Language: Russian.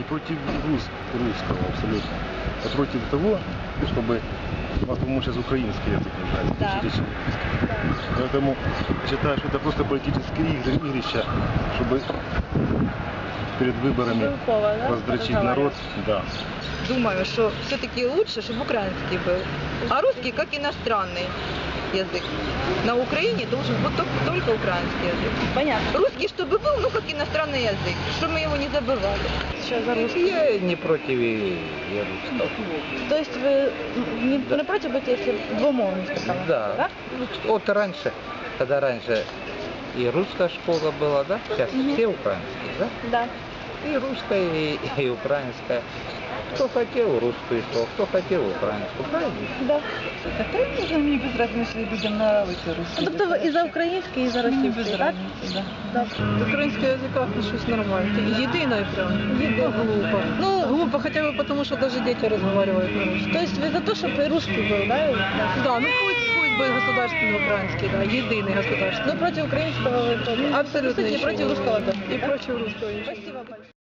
против русского абсолютно. Я против того, чтобы у нас, по-моему, сейчас украинский язык нуждается. Да. Поэтому я считаю, что это просто политические игрища, чтобы перед выборами Белкова, да? раздрочить народ. Да. Думаю, что все-таки лучше, чтобы украинский был. А русский как иностранный язык. На Украине должен быть только украинский язык. Понятно. Русский, чтобы был, ну как иностранный язык, чтобы мы его не забывали. Сейчас за русский. Я не против и русского. То есть вы не против быть, если двумовный сказала? Да. Вот раньше, когда раньше и русская школа была, да? Сейчас все украинские, да? Да. И русская, и украинская. Кто хотел русскую шел, кто хотел украинскую, правильно? Да. Та ні, мені без разниці, людям нравиться русский. Тобто ви і за український, і за російський, без так? разницы, да. Так. Украинский язык отношусь нормально. Единое прям. Единое. Глупо. Ну, Глупо хотя бы потому, что даже дети разговаривают на русском. То есть вы за то, чтобы и русский был, да? Да, ну пусть будет государственный украинский, да, единый государственный. Ну, против украинского вы тоже. Абсолютно Не ничего. против русского тоже. И да? против русского. Спасибо большое.